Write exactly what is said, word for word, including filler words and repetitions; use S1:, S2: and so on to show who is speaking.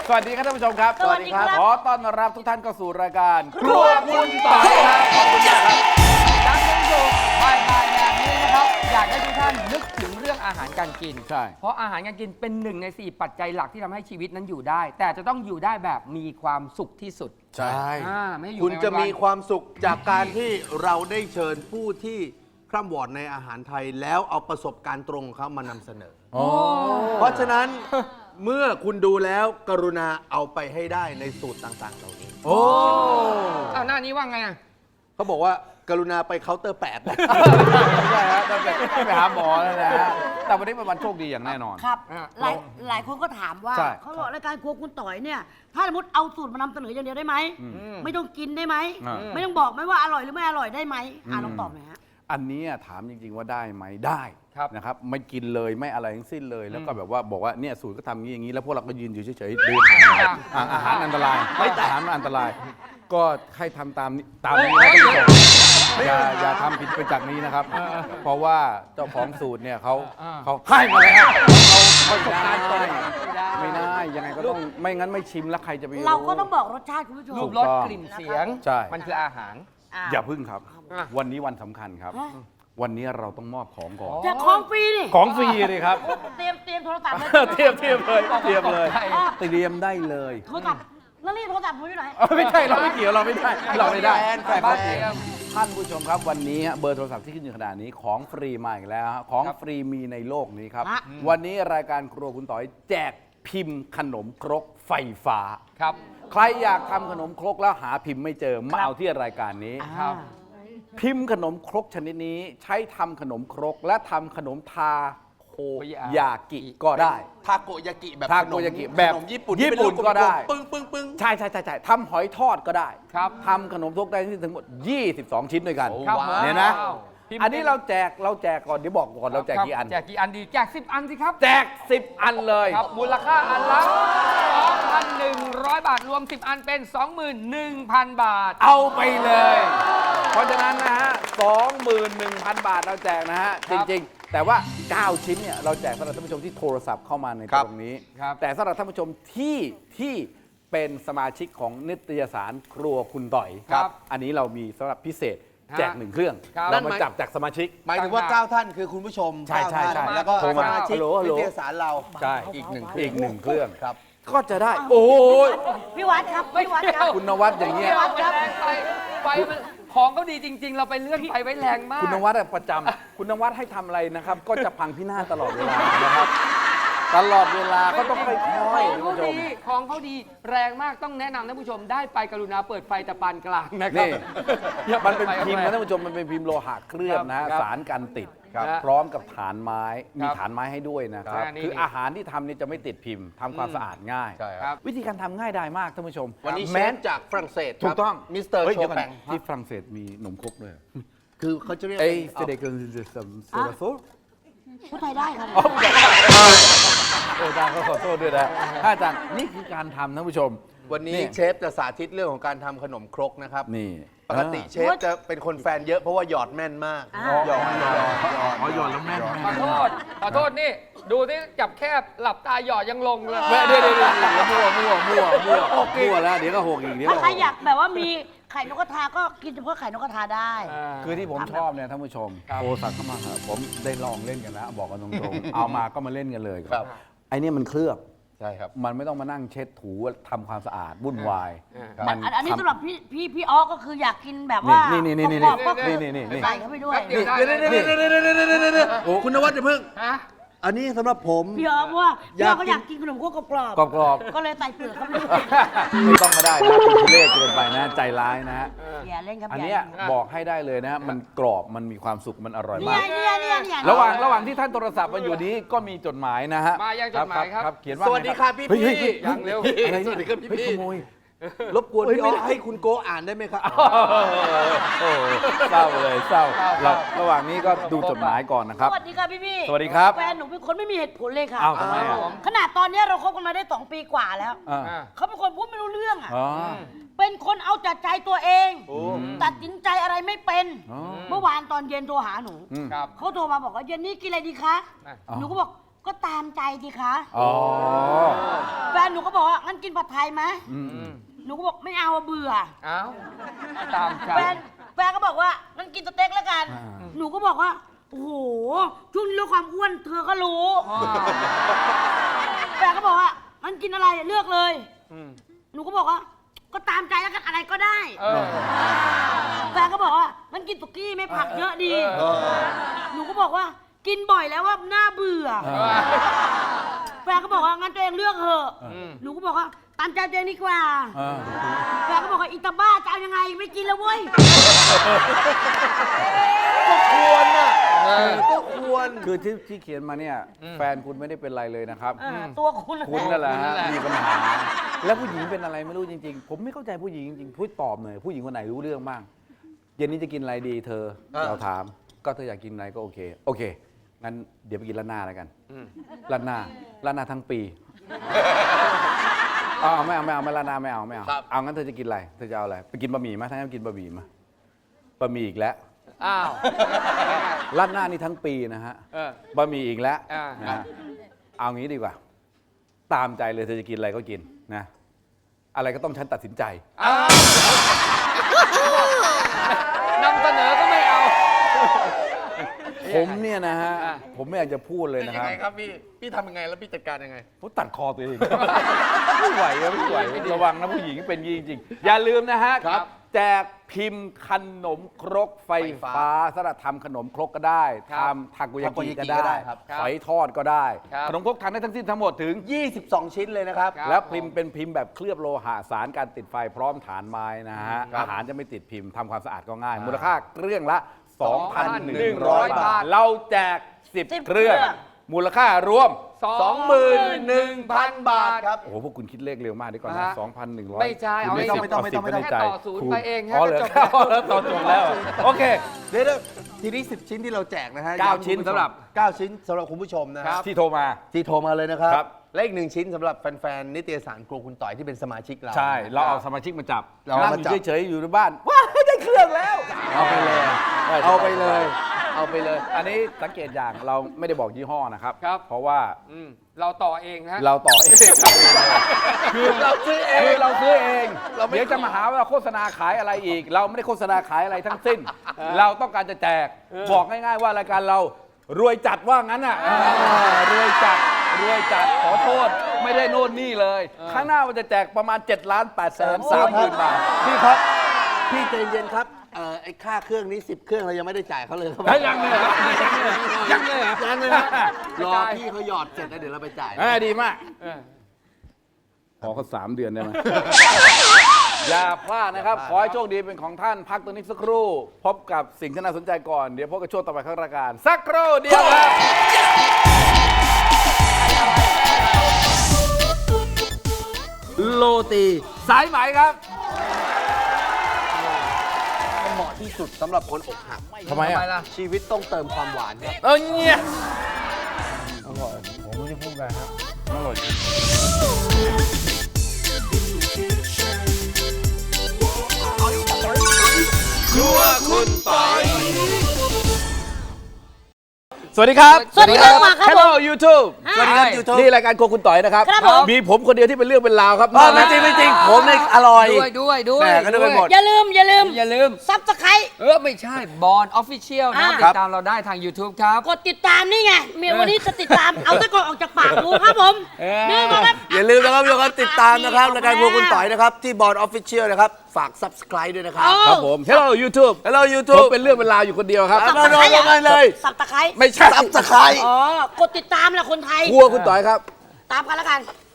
S1: สวัสดีครับท่านผู้ชมครับ
S2: สวัสดีครับ
S1: ขอต้อนรับทุกท่านเข้าสู่รายการครัวคุณต่อยครับขอบคุณครับ
S3: จันทร์ถึงศุกร์บ่ายบ่ายแบบนี้นะครับอยากให้ทุกท่านนึกถึงเรื่องอาหารการกิน
S1: ใช่
S3: เพราะอาหารการกินเป็นหนึ่งในสี่ปัจจัยหลักที่ทำให้ชีวิตนั้นอยู่ได้ แต่จะต้องอยู่ได้แบบมีความสุขที่สุด
S1: ใช่
S3: อ่าไม่อยู่
S4: คุณจะมี
S3: ไปวันๆ
S4: ความสุขจากการที่เราได้เชิญผู้ที่คร่ำวอดในอาหารไทยแล้วเอาประสบการณ์ตรงของเขามานำเสนอ
S1: โอ้
S4: เพราะฉะนั้น เมื่อคุณดูแล้วกรุณาเอาไปให้ได้ในสูตรต่างๆเหล่านี้
S1: โอ้
S3: อ้าวหน้านี้ว่าไงอ่ะ
S4: เขาบอกว่ากรุณาไปเคาน์เตอร์แปด
S1: ไม่ใช่ฮะต้องไปไปหาหมอแล้วนะฮะแต่วันนี้เป็นวันโชคดีอย่างแน่นอน
S2: ครับ
S3: อ่ะ
S2: หลายหลายคนก็ถามว่า
S1: ใช่
S2: เขาบอกรายการครัวคุณต่อยเนี่ย ถ้าสมมติเอาสูตรมานำเสนออย่างเดียวได้ไหม ไม่ต้องกินได้ไหม
S1: อ่า
S2: ไม่ต้องบอกไหมว่าอร่อยหรือไม่อร่อยได้ไหมอ่าลองตอบหน่อยฮะ
S1: อันนี้ถามจริง ๆ ว่าได้ไหมได้
S3: ครับ
S1: นะครับไม่กินเลยไม่อะไรทั้งสิ้นเลย แล้วก็แบบว่าบอกว่าเนี่ยสูตรก็ทำอย่างนี้อย่างนี้แล้วพวกเราก็ยืนอยู่เฉยๆดูอาหารอ่ะอาหารอันตรายไม่อาหารมันอันตราย ก็ให้ทำตามนี้ตามนี้นะท่านผู้ชมอย่าอย่าทำผิดไปจากนี้นะครับ เพราะว่าเจ้าของสูตรเนี่ยเขาเขาให้มาแล้วเขาประสบการณ์ตรงไม่ได้ยังไงก็ต้องไม่งั้นไม่ชิมแล้วใครจะไป
S2: เราก็ต้องบอกรสชาติคุณผู้ชม
S3: รูปรสกลิ่นเสียง
S1: ใช่
S3: มันคืออาหาร
S2: อ่า
S1: อย่าพึ่งครับ
S3: อ่ะ
S1: วันนี้วันสำคัญครับ
S2: ฮะ
S1: วันนี้เราต้องมอบของก่อน
S2: จะของฟรีนี่
S1: ของฟรีเลยครับ
S2: เตรียมเตรียมโทรศัพท์เลย
S1: เทียบเทียบเลยเทียบเลย
S3: ใช่
S1: เตรียมได้เลย
S2: โทรศัพท์แล้วนี่โทรศัพท์ผมอยู่ไหน
S1: เอ้ยไม่ใช่เราไม่เกี่ยวเราไม่ได้เราไม่ได้
S4: แฟนแฟน
S1: ครับท่านผู้ชมครับวันนี้ฮะเบอร์โทรศัพท์ที่ขึ้นอยู่ขนาดนี้ของฟรีมาอีกแล้วฮะของฟรีมีในโลกนี้ครับ
S2: ฮะ
S1: วันนี้รายการครัวคุณต่อยแจกพิมพ์ขนมครกไฟฟ้า
S3: ครับ
S1: ใครอยากทำขนมครกแล้วหาพิมพ์ไม่เจอมาเอาที่รายการนี้
S3: ครับ
S1: พิมพ์ขนมครกชนิดนี้ใช้ทำขนมครกและทำขนมทาโคยากิก็ได้
S4: ทาโกยากิแบบ
S1: ทาโกยากิแบบ
S4: ขนมญี่ปุ่น
S1: ญี่ปุ่น
S4: ที่เป็
S1: ก็ได้
S4: ปึ้งปึ้งปึ้ง
S1: ใช่ใช่ใช่ใช่ทำหอยทอดก็ได้
S3: ครับ
S1: ทำขนมครกได้ที่ถึงหมด ยี่สิบสอง ชิ้นด้วยกัน
S3: ครับ
S1: เนี่ยนะ
S3: ว้าวพิมพ์
S1: อันนี้เราแจกเราแจกก่อนเดี๋ยวบอกก่อนเราแจกกี่อัน
S3: แจกกี่อันดีแจกสิบอันสิครับ
S1: แจกสิบอันเลย
S3: ครับมูลค่าอันละ สองพันหนึ่งร้อย บาทรวมสิบอันเป็น สองหมื่นหนึ่งพัน บาท
S1: เอาไปเลย เพราะฉะนั้นนะฮะ สองหมื่นหนึ่งพัน บาทเราแจกนะฮะ
S3: ค
S1: จ
S3: รับ
S1: ริง ๆ แต่ว่า เก้า ชิ้นเนี่ยเราแจกสำหรับท่านผู้ชมที่โทรศัพท์เข้ามาในตรงนี้
S3: ครับ
S1: แต่สำหรับท่านผู้ชมที่ที่เป็นสมาชิกของนิตยสารครัวคุณต่อย
S3: ครับ
S1: อันนี้เรามีสำหรับพิเศษ
S3: ฮะ
S1: แจกหนึ่งเครื่อง
S3: ครับ
S1: เรามาจับจากสมาชิก
S4: หมายถึงว่าเก้าท่านคือคุณผู้ชม
S1: ใช่ใช่ใช่
S4: เก้าท่านแล้วก็
S1: โทร
S4: ส
S1: มา
S4: มาชิก
S1: ฮัลโหลฮัลโหล
S4: นิตยสารเรา
S1: ใช่
S4: อีกหนึ่ง
S1: อีกหนึ่งเครื่อง
S4: ครับ
S1: ก็จะได้ โอ้ย
S2: พี่วัดครับพี่วัดครับ
S1: คุณนวัดอย่างเงี้ย
S3: ไฟแรงไปไฟมันของเขาดีจริง ๆ เราไปเลื่อนไฟไว้แรงมาก
S1: คุณนวัดอะประจำคุณนวัดให้ทำอะไรนะครับ ก็จะพังพินาศตลอดเวลานะครับ ตลอดเวลาก็ต้องค่อยๆ
S3: ข
S1: ท่า
S3: อง
S1: น
S3: เขา
S1: ผู้ชม
S3: ดีของเขาดีแรงมากต้องแนะนำท่านผู้ชมได้ไปกรุณาเปิดไฟแต่ปานกลางนะครั
S1: นี่
S3: อย่า
S1: มันเป็น
S3: ไฟ
S1: พิมพ์
S3: แร
S1: นะ
S3: ง
S1: ท่านผู้ชมมันเป็นพิมพ์โลหะเคลือบนะฮะ
S3: ครับ
S1: สารกันติด
S3: ครับ
S1: พร้อมกับฐานไม้มี
S3: ครับ
S1: ฐานไม้ให้ด้วยนะครับ
S3: อ่านี่
S1: คืออาหารที่ทำเนี่ยจะไม่ติดพิมพ์ทำความสะอาดง่าย
S4: ใช่
S3: ครับ
S1: วิธีการทำง่ายดายมากท่านผู้ชม
S4: วันนี้เช
S1: แม้
S4: ฟจากฝรั่งเศส
S1: ถูกต้อง
S4: มิสเตอร์
S1: ฮ้ย
S4: โช
S1: ดี๋ยวก่
S4: แป
S1: น
S4: ง
S1: ที่ฝรั่งเศสมีหนมครกด้วย
S4: คือเขาจะเรียก
S1: เอ้ย
S4: เอา
S1: เสด็จกันโซลาโซ
S2: พูดไทยได้ครับ
S1: โอ้อาจารย์ขอโทษด้วยนะอาจารย์นี่คือการทำท่านผู้ชม
S4: วันนี้
S1: นี่
S4: เชฟจะสาธิตเรื่องของการทำขนมครกนะครับ
S1: นี่
S4: ปกติเชฟจะเป็นคนแฟนเยอะเพราะว่าหยอดแม่นมาก
S2: อ่า
S4: หยอดหยอดหยอด
S1: อ๋อหยอดแล้วแม่น
S3: ขอโทษขอโทษนี่ ดูที่จับแคบหลับตาหยอดยังลงเลย
S1: แม่เดี๋ยวเดี๋ยวเดี๋ยวมั่วมั่วมั่วมั่วมั่วแล้วเดี๋ยวก็หกอีกเดี๋ยว
S2: ถ้า
S1: ก็
S2: ใครอยากแบบว่ามีไข่นกกระทาก็กินเฉพาะไข่นกกระทาได้
S1: คือที่ผมชอบเนี่ยท่านผู้ชม
S3: ครับ
S1: โทรศัพท์เข้ามาเถอะผมได้ลองเล่นกันแล้วบอกกันตรงๆ เอามาก็มาเล่นกันเลย
S4: ครับ
S1: ไอ้เนี่ยมันเคลือบ
S4: ใช่ครับ
S1: มันไม่ต้องมานั่งเช็ดถูทำความสะอาดวุ่นวาย
S4: ครับ
S1: มัน
S2: อันอันนี้
S1: ทำ
S2: สำหรับพี่พี่พี่ออก็คืออยากกินแบบว่า
S1: นี่นี่นี่นี่
S2: กรอบๆก็คือ
S1: นี่นี่นี่
S2: ใส่เข้าไปด้วย
S3: เดี๋ยวได้
S4: เดี๋ยวเดี๋ยวเดี๋ยวเดี๋ยวเดี๋ยวเดี๋ยวเดี๋ยวเดี๋ยวเดี๋ยว
S1: โอ้
S4: คุณนวัดจะเพิ่ง
S3: ฮะ
S4: อันนี้สำหรับผม
S2: พี่ออเพราะว่าพี่ออก็อยาก ก
S4: อายกิ
S2: กิ
S4: น
S2: นขนมครกกรอบ
S1: กรอบกรอบ
S2: ๆก็เลยใส่เปลือกเข้าไปด้วย
S1: ๆไม่ต้องมาได้นะคุณทุเรศเกินไปนะใจร้ายนะฮะ
S2: อย่าเล่นครับ
S1: อัน
S2: อย่า
S1: เนี้ย
S2: เล่น
S1: บอกให้ได้เลยนะฮะมันกรอบมันมีความสุขมันอร่อย
S2: เนี่
S1: มาย ก
S2: เนี่ยเนี่ยเนี่ย
S1: ระหว่างระหว่างที่ท่านโทรศัพท์มาอยู่นี้ก็มีจดหมายนะฮะ
S3: มายังจดหมายครับ
S1: เขียนว่า
S4: สวัสดีครับพี่
S1: เฮ้ย
S4: พี่
S1: เฮ้ย
S3: ยังเร็ว
S1: อะไร
S4: สวัสดีครับพี่
S1: เฮ้ย
S4: พี่
S1: ขโมย
S4: รบกวน
S1: เฮ้ย
S4: พี่
S1: ไม่
S4: อ๋
S1: ได้
S4: อให้คุณโกอ่านได้ไหมครับ
S1: โอ้โหเศร้าเลยเศร้า
S3: เศร้า
S1: เราระหว่างนี้ก็ดูจดหมายก่อนนะค
S2: ส
S1: รับ
S2: วัสดีค่ะพี่พี่
S1: สวัสดีครับ
S2: แฟนหนูเป็นคนไม่มีเหตุผลเลยค่ะ
S1: อ้าวทำไมอ่ะ
S2: ขนาดตอนเนี้ยเราคบกันมาได้สองปีกว่าแล้ว
S1: อ่า
S3: อ่ะ
S2: เขาเป็นคนพูดไม่รู้เรื่องอ่ะ
S1: อ๋อ
S2: เป็นคนเอาแต่ใจตัวเอง
S4: โอ้
S2: ตัดสินใจอะไรไม่เป็น
S1: อ๋อ
S2: เมื่อวานตอนเย็นโทรหาหนู
S1: อืม
S3: ครับ
S2: เขาโทรมาบอกว่าเย็นนี้กินอะไรดีคะ
S3: อ่ะ
S2: หนูก็บอกก็ตามใจดีคะ
S1: อ๋อ
S2: แฟนหนูนูก็บอกว่างั้นกินผัดไทยไหม
S1: อืม
S2: หนูก็บอกไม่เอาอะเบื่อ
S3: เอ้าตามใจ
S2: แฟนแฟนก็บอกว่างั้นกินสเต็กแล้วกัน
S1: อ่า
S2: หนูก็บอกว่าโอ้โหช่วงนี้เรื่องความอ้วนเธอก็รู้
S3: อ๋อ
S2: แฟนก็บอกว่างั้นกินอะไรเลือกเลย
S3: อืม
S2: หนูก็บอกว่าก็ตามใจแล้วกันอะไรก็ได้
S3: เออ
S2: แฟนก็บอกว่างั้นกินสุกี้ไม่ผักเยอะดี
S3: เออ
S2: หนูก็บอกว่ากินบ่อยแล้วว่าน่าเบื่อ
S1: เอ
S2: แฟนก็บอกว่างั้นตัวเองเลือกเถอะ
S3: อืม
S2: หนูก็บอกว่าตามใจตัวเองดีกว่า
S1: เออ
S2: แฟนก็บอกว่าอีตาบ้าจะเอายังไงไม่กินแล้วเว้ย
S4: ก็ควรน่ะ
S3: เออ
S4: ก็ควร
S1: คือที่ที่เขียนมาเนี่ย
S3: อืม
S1: แฟนคุณไม่ได้เป็นไรเลยนะครับ
S2: เออตัวคุณ
S1: คุณนั่นแหละ
S3: คุณนั่
S1: ฮะ
S3: นแหละ
S1: มีปัญหา แล้วผู้หญิงเป็นอะไรไม่รู้จริงๆ ผมไม่เข้าใจผู้หญิงจริงๆพูดตอบหน่อยผู้หญิงคนไหนรู้เรื่องบ้างเย็นนี้จะกินอะไรดีเธอ
S4: เออ
S1: เราถามก็เธออยากกินอะไรก็โอเค โอเคงั้นเดี๋ยวไปกินร้านหน้าแล้วกัน
S3: อืม
S1: ร้านหน้าร้านหน้าทั้งปีเอาเอาไม่เอาไม่เอาไม่ร้านหน้าไม่เอาไม่เอา
S4: ครับ
S1: เอางั้นเธอจะกินอะไรเธอจะเอาอะไรไปกินบะหมี่ไหมถ้างั้นกินบะหมี่มาบะหมี่อีกแล้ว
S3: อ้าว
S1: ร้านหน้านี่ทั้งปีนะฮะ
S3: เออ
S1: บะหมี่อีกแล้ว
S3: อ่า
S1: นะฮะเอางี้ดีกว่า ตามใจเลยเธอจะกินอะไรก็กินนะ อะไรก็ต้องฉันตัดสินใจ
S3: อ้าวนำเสนอก็ไม่เอา
S1: ผมเนี่ยนะฮะ
S3: อ่ะ
S1: ผมไม่อยากจะพูดเลย
S4: เป็น
S1: นะ
S4: ยั
S1: ค
S4: ง
S1: รับ
S4: ไงครับพี่ พี่ทำยังไงแล้วพี่จัดการยังไง
S1: ผมตัดคอตัวเอง ไม่ไหวอะไม่ไหวระวังนะผู้หญิงเป็นอย่างนี้จริงๆ อย่าลืมนะฮะ
S4: ครับ
S1: แจกพิมพ์ขนมครกไฟ
S4: ไฟฟ้า
S1: ฟ้าสำหรับทำขนมครกก็ได้
S3: ครับ
S1: ทำทาโกุยา
S4: ทาโก
S1: กิ
S4: ยากิ
S1: ก็
S4: ก็ได้
S1: ได้
S4: ครับ
S1: ฝอยทอดก็ได้
S3: ครับ
S1: ขนมครกทำได้ทั้งสิ้นทั้งหมดถึง
S4: ยี่สิบสอง ชิ้นเลยนะครับ
S3: ครับ
S1: แล้วพิมพ์เป็นพิมพ์แบบเคลือบโลหะสารการติดไฟพร้อมฐานไม้นะฮะ
S4: ครับ
S1: อาหารจะไม่ติดพิมพ์ทำความสะอาดก็ง่าย มูลค่าเครื่องละ
S3: สองพันหนึ่งร้อย
S1: 2,100
S3: บา
S1: บา
S3: ท
S1: ท เราแจก สิบ
S2: สิบ
S1: เครื่อง
S2: เครื่อง
S1: มูลค่ารวม
S3: สองหมื่นหนึ่งพันบาท
S4: ครับ
S1: โอ้โห พวกคุณคิดเลขเร็วมากดีกว่า
S3: ฮะ
S1: นะสองพันหนึ่งร้อย
S3: ไม่ใช่เอา
S1: คุณ
S3: ไม่
S1: สิบ
S3: ต้อง
S4: ไม่ต้องไม่ต้อง
S1: สิบในใจ
S3: แค่ต่อศูนย์ไปเอง
S1: อ๋อเหรอ
S3: ก็จบ
S1: แล้วต่อจบแล้ว โอเค
S4: เดี๋ยวๆทีนี้สิบชิ้นที่เราแจกนะฮะ
S1: เก้า
S4: ย้ำ
S1: ชิ้น
S4: คุณผู้ชม
S1: สำหรับ
S4: เก้าชิ้นสำหรับคุณผู้ชมนะค
S3: ครั
S4: รับ
S3: บ
S1: ที่โทรมา
S4: ที่โทรมาเลยนะครับ
S1: ครับ
S4: และอีกหนึ่งชิ้นสำหรับแฟนๆนิตยสารครัวคุณต่อยที่เป็นสมาชิกเรา
S1: ใช่ เราเอา
S4: ค
S1: ส
S4: บ
S1: มาชิกมาจับ
S4: เราเอา
S1: นั่ง
S4: มา
S1: อ
S4: จับ
S1: ยู่เฉยๆอยู่ในบ้าน ว้าวได้เครื่องแล้ว
S4: เอาไปเลย เอาไปเลย เอาไปเลย
S1: อันนี้สังเกตอย่างเราไม่ได้บอกยี่ห้อนะครับ
S3: ครับ
S1: เพราะว่า
S3: อืมเราต่อเองฮะ
S1: เราต่อเองคือ
S4: เราซื้อเอง
S1: คือเราซื้อเอง
S4: เราไม่
S1: เดี๋ยวจะมาหาว่าเราโฆษณาขายอะไรอีก เราไม่ได้โฆษณาขายอะไรทั้งสิ้น เราต้องการจะแจก บอกง่ายๆว่ารายการเรารวยจัดว่างั้นอ่ะอ่ารวยจัดรวยจัดขอโทษ ไม่ได้โน่นนี่เลย ข้างหน้ามันจะแจกประมาณ7ล้าน8แสนสามหมื่นบาท
S4: พี่ครับ พี่ใจเย็นครับเอ่อไอ้ค่าเครื่องนี้สิบเครื่องเรายังไม่ได้จ่ายเขาเลยครับ
S1: เฮ้ยยังเลยเหรอยังเลยเหรอ
S4: ยังเลยครับรอพี่เขาหยอดเสร็จแล้วเดี๋ยวเราไปจ่าย
S1: อ่าดีมาก
S3: เออ
S1: ขอเขาสามเดือนได้ไหม อย่าพลาดนะครับ ขอให้โชคดีเป็นของท่าน พักตัวนี้สักครู่ พบกับสิ่งที่น่าสนใจก่อน เดี๋ยวพบกับช่วงต่อไปของรายการ สักครู่เดียวครับ โรตีสายไหมครับ
S4: เหมาะที่สุดสำหรับคนอกหัก
S1: ทำไม
S3: ทำไม
S1: อ่ะ
S3: ล่ะ
S4: ชีวิตต้องเติมความหวานครับ
S1: เออเนี่ยอร่อยผมไม่ได้พูดอะไรครับอร่อย ครัวคุณปอยสวัสดีครับ
S2: สวัสดีครับมาครับ
S1: Hello YouTube
S2: อ่า
S1: สวัสดีครับ YouTube นี่รายการครัวคุณต่อยนะครับ
S2: ครับผม
S1: มีผมคนเดียวที่เป็นเรื่องเป็นราวครับ
S4: ไม่จริงไม่จริงผมเนี่ยอร่อย
S3: ด้วยด้วยด้วย
S4: แหม่ก็นึกไปหมด
S2: อย่าลืมอย่าลืม
S3: อย่าลืม
S2: ซับสไคร
S3: เออ ไม่ใช่บอลออฟฟิเชียลนะ
S2: อ่า
S3: ติดตามเราได้ทาง YouTube ครับ
S2: กดติดตามนี่ไงเมียวันนี้จะติดตาม เอาตะกอนออกจากปากดูครับผม
S3: เออ
S2: นี่มาครับ
S4: อย่าลืมนะครับทุกคนติดตามนะครับรายการครัวคุณต่อยนะครับที่บอร์ดออฟฟิเชียลนะครับฝาก Subscribe ด้วยนะครับ
S2: เอา
S1: ครับผม Hello YouTube
S4: Hello
S1: ผม
S4: YouTube
S1: เป็นเรื่องเป็นราวอยู่คนเดียวครับ
S4: มาโดนกันเลย
S2: สับตะไคร้
S1: ไม่ใช่
S4: Subscribe
S2: อ๋อกดติดตามแหละคนไทย
S1: ครัวคุณต่อยครับ
S2: ตามกันแล้วกัน